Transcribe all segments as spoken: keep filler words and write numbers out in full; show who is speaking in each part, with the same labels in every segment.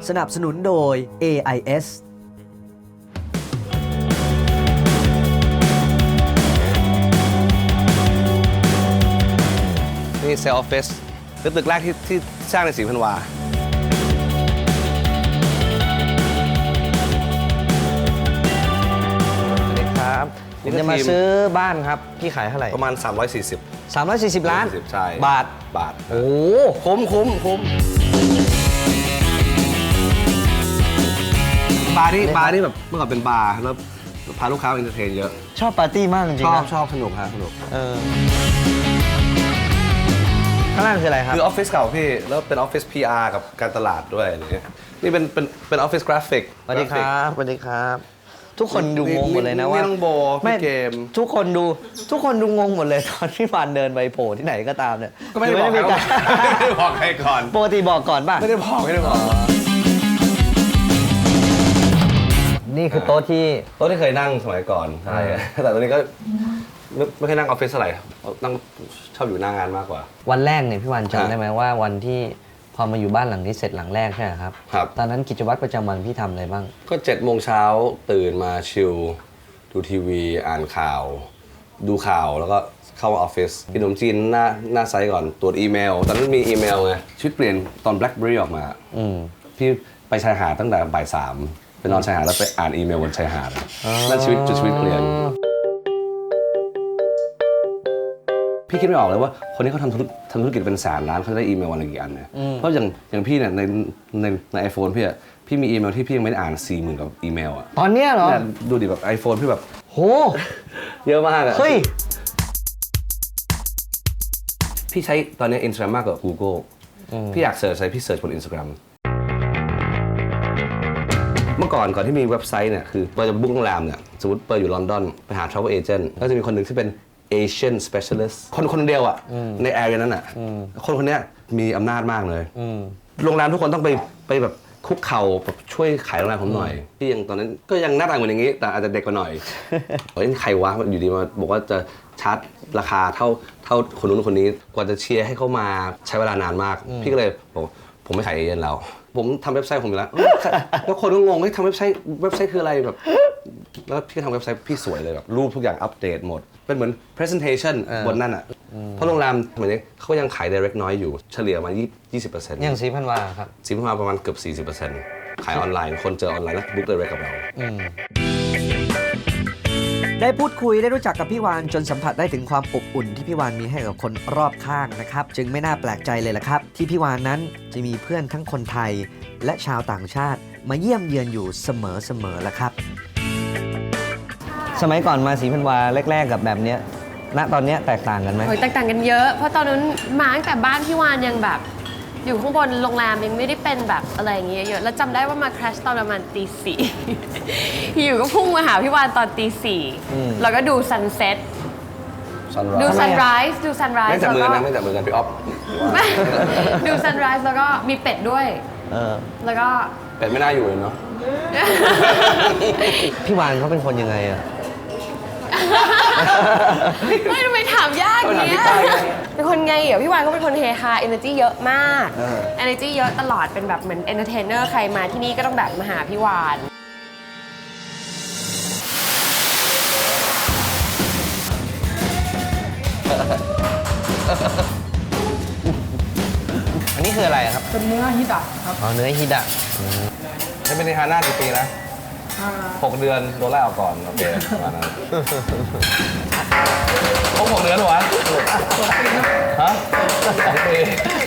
Speaker 1: สนับสนุนโดย เอ ไอ เอส
Speaker 2: นี่เซลล์ออฟฟิศเป็นตึกแรกที่ที่สร้างในศรีพันวาสวัสดีครับผมจะมาซื้อบ้านครับพี่ขายเท่าไหร่ประมาณสามร้อยสี่สิบ
Speaker 1: สามร้อยสี่สิบ ล้าน
Speaker 2: ใช่
Speaker 1: บาท
Speaker 2: บาท
Speaker 1: โอ้
Speaker 2: คุ้มคุ้มคุ้มบาร์นี่บาร์นี่แบบเมื่อก่อนเป็นบาร์แล้วพาลูกค้าเอนเตอร์เทนเยอะ
Speaker 1: ชอบปาร์ตี้มากจริงๆ
Speaker 2: ชอบ
Speaker 1: นะ
Speaker 2: ชอบสนุกฮะสนุก
Speaker 1: เออข้างล่างคืออะไรครับ
Speaker 2: คือออฟฟิศเก่าพี่แล้วเป็นออฟฟิศ พี อาร์ กับการตลาดด้วยอะไรเงี้ยนี่เป็นเป็นเป็นออฟฟิศกราฟิก
Speaker 1: สวัสดีครับสวัสดีครับทุกคนดูงงหมดเลยนะว่า
Speaker 2: ไม่ต้องโบพี่เกม
Speaker 1: ทุกคนดูทุกคนดูงงหมดเลยตอนที่ฟานเดินไปโผล่ที่ไหนก็ตามเนี่ย
Speaker 2: ก็ไม่ได้บอกไม่ได้บอกใครก่อน
Speaker 1: ปกติบอกก่อนป่ะ
Speaker 2: ไม่ได้บอกไม่ได้บอก
Speaker 1: นี่คือโต๊ะที่
Speaker 2: โต๊ะที่เคยนั่งสมัยก่อนใช่แต่ตอนนี้ก็ไม่ไม่เคยนั่งออฟฟิศเท่าไหร่นั่งชอบอยู่หน้างานมากกว่า
Speaker 1: วันแรกเนี่ยพี่วันจำได้ไหมว่าวันที่พอมาอยู่บ้านหลังนี้เสร็จหลังแรกใช่ไหมครับ
Speaker 2: ครับ
Speaker 1: ตอนนั้นกิจวัตรประจำวันพี่ทำอะไรบ้าง
Speaker 2: ก็เจ็ดโมงเช้าตื่นมาชิลดูทีวีอ่านข่าวดูข่าวแล้วก็เข้าออฟฟิศกินขนมจีนหน้าหน้าไซต์ก่อนตรวจอีเมลตอนนั้นมีอีเมลไงชีวิตเปลี่ยนตอน BlackBerry ออกมาพี่ไปชายหาดตั้งแต่บ่ายสามไปนอนชายหาดแล้วไปอ่านอีเมลบนชายหาดนั่นชีวิตจุดชีวิตเปลี่ยนพี่คิดไม่ออกเลยว่าคนนี้เขาทำธุรทำธุรกิจเป็นแสนล้านเขาได้อีเมลวันละกี่อันเนี่ยเพราะอย่างอย่างพี่เนี่ยในในในไอโฟนพี่อะพี่มีอีเมลที่พี่ยังไม่ได้อ่านสี่หมื่นกับอีเมลอะ
Speaker 1: ตอนเนี้ยเหรอ
Speaker 2: ดูดิแบบไอโฟนพี่แบบ
Speaker 1: โห
Speaker 2: เยอะมากอะ
Speaker 1: เฮ้ย
Speaker 2: พี่ใช้ตอนนี้ Instagram มากกว่า Google พี่อยากเสิร์ชอะไรพี่เสิร์ชบน Instagram เมื่อก่อนก่อนที่มีเว็บไซต์เนี่ยคือเปิดจะบุ๊กโรงแรมเนี่ยสมมติเปิดอยู่ลอนดอนไปหา travel agent ก็จะมีคนหนึ่งที่เป็น Asian specialist คนคนเดียวอ่ะในแอเรียนั้นอ่ะคนคนนี้มีอำนาจมากเลยโรงแรมทุกคนต้องไปไปแบบคุกเข่าแบบช่วยขายโรงแรมผมหน่อยพี่ยังตอนนั้นก็ยังหน้าตาเหมือนอย่างนี้แต่อาจจะเด็กกว่าหน่อยเฮ้ยใครวะอยู่ดีมาบอกว่าจะชาร์จราคาเท่าเท่าคนนู้นคนนี้กว่าจะเชียร์ให้เขามาใช้เวลานานมากพี่ก็เลยบอกผมไม่ขายเอเจนต์แล้วผมทำเว็บไซต์ผมอยู่แล้วแล้วคนก็งงว่าทำเว็บไซต์เว็บไซต์คืออะไรแบบแล้วพี่ก็ทำเว็บไซต์พี่สวยเลยแบบรูปทุกอย่างอัปเดตหมดเป็นเหมือน presentation บนนั่นอ่ะเพราะโรงแรมเหมือนนี้เขายังขาย direct น้อยอยู่เฉลี่ยมายี่สิบเปอร์เซ็นต์
Speaker 1: อย่างสีพันวาครับ
Speaker 2: สีพันวาประมาณเกือบ สี่สิบเปอร์เซ็นต์ ขายออนไลน์คนเจอออนไลน์แล้ว book direct กับเรา
Speaker 1: ได้พูดคุยได้รู้จักกับพี่วานจนสัมผัสได้ถึงความอบอุ่นที่พี่วานมีให้กับคนรอบข้างนะครับจึงไม่น่าแปลกใจเลยล่ะครับที่พี่วานนั้นจะมีเพื่อนทั้งคนไทยและชาวต่างชาติมาเยี่ยมเยือนอยู่เสมอๆล่ะครับสมัยก่อนมาศรีพันวาแรกๆกับแบบเนี้ยณตอนเนี้ยแตกต่างกันไหม
Speaker 3: โอ้ยแตกต่างกันเยอะเพราะตอนนั้นมาตั้งแต่บ้านพี่วานยังแบบอยู่ข้างบนโรงแรมยังไม่ได้เป็นแบบอะไรอย่างเงี้ยเยอะแล้วจำได้ว่ามาคราชตอนประมาณตีสี่อยู่ก็พุ่งมาหาพี่วานตอนตีสี่แล้วก็ดูซันเซ็ตดูซันไรส์ดูซันไรส์
Speaker 2: ไม่จับมือนะไม่จับมือกันพี่อ๊อฟ
Speaker 3: ดูซันไรส์แล้วก็มีเป็ดด้วยแล้วก็
Speaker 2: เป็ดไม่น่าอยู่เลยเนาะ
Speaker 1: พี่วานเขาเป็นคนยังไงอะ
Speaker 3: ไม่ทำไมถามยากเนี้ยเป็นคนไงเหรอพี่วานก็เป็นคนเฮฮา energy เยอะมาก energy เยอะตลอดเป็นแบบเหมือน entertainer ใครมาที่นี่ก็ต้องแบบมาหาพี่วาน
Speaker 1: อันนี้คืออะไรครับ
Speaker 4: เป็นเนื้อฮิดะครับ
Speaker 1: อ๋อเนื้อฮิดะ
Speaker 2: ให้เป็นในฮาน่ากี่ปีนะหกเดือนโดนไล่ออกก่อนโอเคประมาณนั้นครบหกเดือนหรอวะฮะสองปี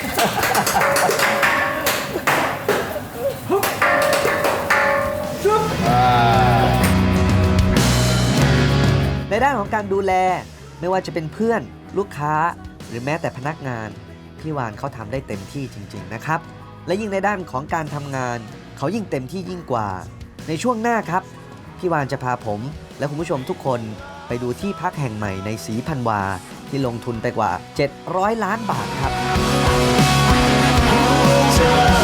Speaker 1: ในด้านของการดูแลไม่ว่าจะเป็นเพื่อนลูกค้าหรือแม้แต่พนักงานพี่วานเขาทำได้เต็มที่จริงๆนะครับและยิ่งในด้านของการทำงานเขายิ่งเต็มที่ยิ่งกว่าในช่วงหน้าครับพี่วานจะพาผมและคุณผู้ชมทุกคนไปดูที่พักแห่งใหม่ในศรีพันวาที่ลงทุนไปกว่าเจ็ดร้อยล้านบาทครับ